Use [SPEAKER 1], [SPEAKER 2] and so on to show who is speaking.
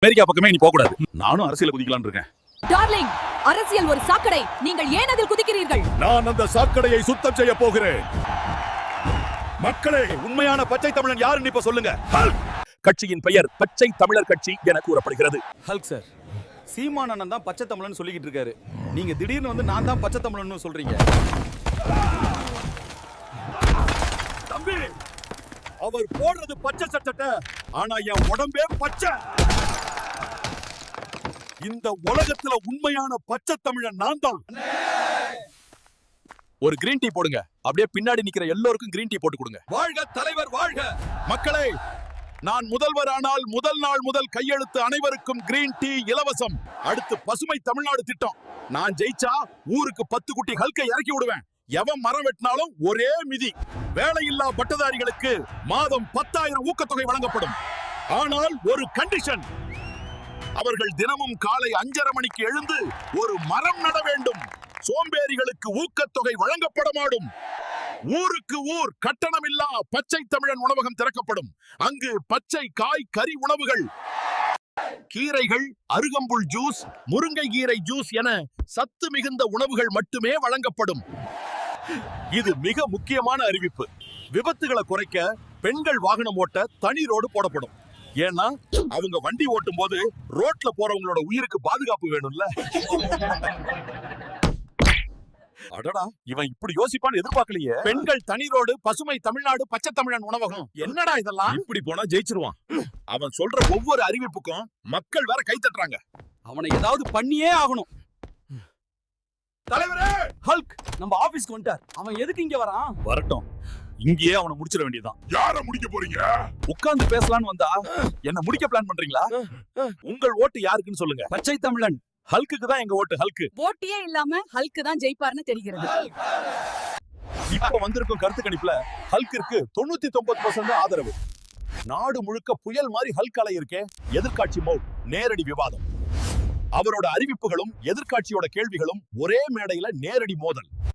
[SPEAKER 1] America பக்கமே நீ போக கூடாது. நானும் அரசியல் குதிக்கலாம்னு இருக்கேன்.
[SPEAKER 2] டார்லிங், அரசியல் ஒரு சாக்கடை. நீங்கள் ஏன் அதில் குதிக்கிறீர்கள்?
[SPEAKER 1] நான் அந்த சாக்கடையை சுத்தம் செய்ய போகிறேன். மக்களே, உண்மையான பச்சை தமிழன் யாருன்னு இப்ப சொல்லுங்க. கட்சியின் பெயர் பச்சை தமிழர் கட்சி என கூறப்படுகிறது.
[SPEAKER 3] ஹல்க் சார், சீமான் அண்ணன் தான் பச்சை தமிழன் சொல்லிக்கிட்டு இருக்காரு. நீங்க திடீர்னு வந்து நான் தான் பச்சை தமிழன் சொல்றீங்க.
[SPEAKER 1] தம்பி, அவர் போடுறது பச்சை சட்டை, ஆனா என் உடம்பே பச்சை. இந்த உலகத்துல உண்மையான பச்சை தமிழன் நான் தான். ஒரு கிரீன் டீ போடுங்க. அப்படியே பின்னாடி நிக்கிற எல்லோருக்கும் கிரீன் டீ போட்டு கொடுங்க. வாழ்க தலைவர் வாழ்க. மக்களே, நான் முதல்வர் ஆனால் முதல் நாள் முதல் கையெழுத்து அனைவருக்கும் கிரீன் டீ இலவசம். அடுத்து பசுமை தமிழ்நாடு திட்டம். நான் ஜெயிச்சா ஊருக்கு 10 குட்டி ஹல்கை இறக்கி விடுவேன். எவன் மரம் வெட்டினாலும் ஒரே மிதி. வேலையில்லா பட்டதாரிகளுக்கு மாதம் 10,000 ஊக்கத்தொகை வழங்கப்படும். ஆனால் ஒரு கண்டிஷன், அவர்கள் தினமும் காலை 5:30 மணிக்கு எழுந்து ஒரு மரம் நட வேண்டும். சோம்பேறிகளுக்கு ஊக்கத்தொகை வழங்கப்பட மாடும். ஊருக்கு ஊர் கட்டணமில்லா பச்சை தமிழன் உணவகம் திறக்கப்படும். அங்கு பச்சை காய் கறி உணவுகள், கீரைகள், அருகம்புல் ஜூஸ், முருங்கை கீரை ஜூஸ் என சத்து மிகுந்த உணவுகள் மட்டுமே வழங்கப்படும். இது மிக முக்கியமான அறிவிப்பு. விபத்துகளை குறைக்க பெண்கள் வாகனம் ஓட்ட தனி ரோடு போடப்படும். ஏன்னா அவங்க வண்டி ஓட்டும் போது ரோட்ல போறவங்களோட உயிருக்கு பாதுகாப்பு வேணும்ல. அடடா, இவன் இப்படி யோசிப்பான்னு எதிர்பார்க்கலையே. பெண்கள் தனி ரோடு, பசுமை தமிழ்நாடு, பச்சை தமிழன் உணவகம். என்னடா இதெல்லாம்? இப்படி போனா ஜெயிச்சிருவான். அவன் சொல்ற ஒவ்வொரு அறிவிப்புக்கும் மக்கள் வேற கை தட்டுறாங்க.
[SPEAKER 3] அவனை ஏதாவது பண்ணியே ஆகணும்.
[SPEAKER 1] தலைவரே,
[SPEAKER 3] ஹல்க் நம்ம ஆபீஸ்க்கு வந்துட்டார். அவன் எதுக்கு இங்க வரான்?
[SPEAKER 1] வரட்டும், இங்கேயே அவனை முடிச்சிட வேண்டியதான். யார முடிக்க போறீங்க? உட்கார்ந்து பேசலாம்னு வந்தா என்ன முடிக்க பிளான் பண்றீங்களா? உங்கள் ஓட்டு யாருக்குன்னு சொல்லுங்க.
[SPEAKER 3] பச்சை தமிழன்
[SPEAKER 1] ஹல்குக்கு தான் எங்க ஓட்டு. ஹல்கு
[SPEAKER 2] போட்டியே இல்லாம ஹல்க் தான் ஜெயிப்பார்னு தெரிகிறது.
[SPEAKER 1] இப்ப வந்திருக்கும் கருத்து கணிப்புல ஹல்கிற்கு 99% ஆதரவு. நாடு முழுக்க புயல் மாதிரி ஹல்க் அலை இருக்கே. எதிர்காட்சி மோட், நேரடி விவாதம். அவரோட அறிவிப்புகளும் எதிர்காட்சியோட கேள்விகளும் ஒரே மேடையில நேரடி மோதல்.